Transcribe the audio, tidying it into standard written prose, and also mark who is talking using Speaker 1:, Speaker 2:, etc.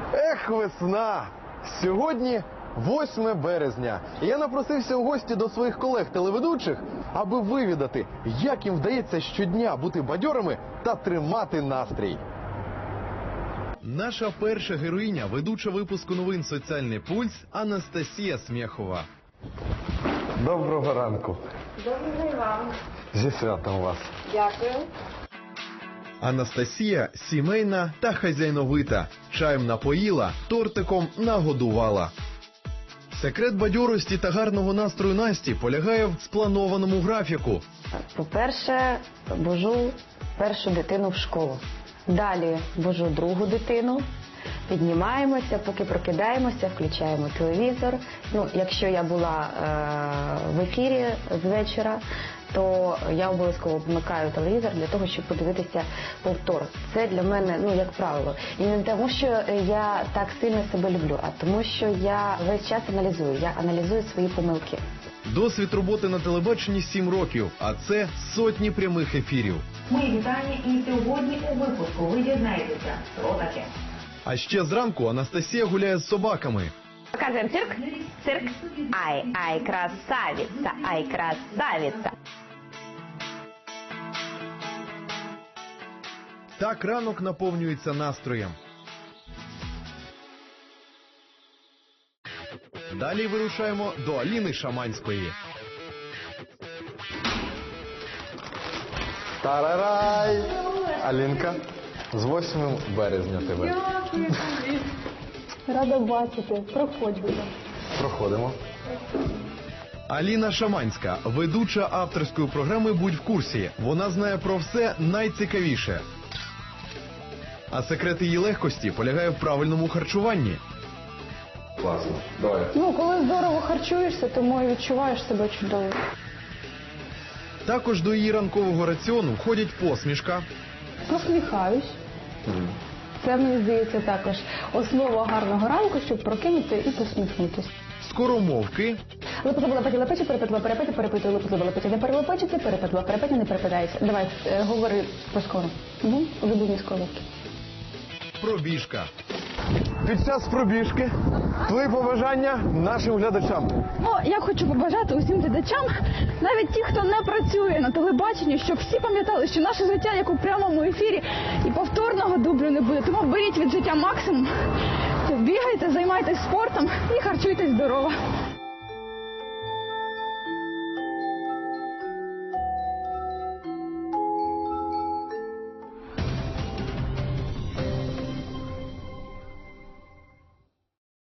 Speaker 1: Ех, весна! Сьогодні 8 березня. І я напросився у гості до своїх колег-телеведучих, аби вивідати, як їм вдається щодня бути бадьорими та тримати настрій. Наша перша героїня, ведуча випуску новин «Соціальний пульс» Анастасія Смєхова. Доброго ранку.
Speaker 2: Доброго і вам.
Speaker 1: Зі святом вас.
Speaker 2: Дякую.
Speaker 1: Анастасія сімейна та хазяйновита. Чаєм напоїла, тортиком нагодувала. Секрет бадьорості та гарного настрою Насті полягає в спланованому графіку.
Speaker 2: По-перше, вожу першу дитину в школу. Далі вожу другу дитину. Піднімаємося, поки прокидаємося, включаємо телевізор. Якщо я була в ефірі з вечора, то я обов'язково вмикаю телевізор для того, щоб подивитися повтор. Це для мене, як правило. І не тому, що я так сильно себе люблю, а тому, що я весь час аналізую. Я аналізую свої помилки.
Speaker 1: Досвід роботи на телебаченні 7 років, а це сотні прямих ефірів.
Speaker 3: Мої вітання і сьогодні у випуску ви дізнаєтеся, що таке.
Speaker 1: А ще зранку Анастасія гуляє з собаками.
Speaker 2: Показуємо цирк. Цирк. Ай, красавиця, ай, красавиця.
Speaker 1: Так ранок наповнюється настроєм. Далі вирушаємо до Аліни Шаманської. Тарарай! Алінка, з 8 березня тебе.
Speaker 4: Дякую тобі. Рада бачити. Проходь, будь ласка.
Speaker 1: Проходимо. Аліна Шаманська, ведуча авторської програми «Будь в курсі». Вона знає про все найцікавіше. А секрет її легкості полягає в правильному харчуванні. Класно. Давай.
Speaker 4: Коли здорово харчуєшся, тому і відчуваєш себе чудово.
Speaker 1: Також до її ранкового раціону входять посмішка.
Speaker 4: Посміхаюсь. Це, мені здається, також основа гарного ранку, щоб прокинути і посміхнутися.
Speaker 1: Скоромовки.
Speaker 4: Лепетила, перепечу, перепетила, перепитую, лепетила, не перелепечити, перепетила, не перепитається. Давай, говори поскоро. Улюблені скоровки.
Speaker 1: Пробіжка. Під час пробіжки твої побажання нашим глядачам.
Speaker 4: Я хочу побажати усім глядачам, навіть ті, хто не працює на телебаченні, щоб всі пам'ятали, що наше життя як у прямому ефірі і повторного дублю не буде. Тому беріть від життя максимум, бігайте, займайтесь спортом і харчуйтесь здорово.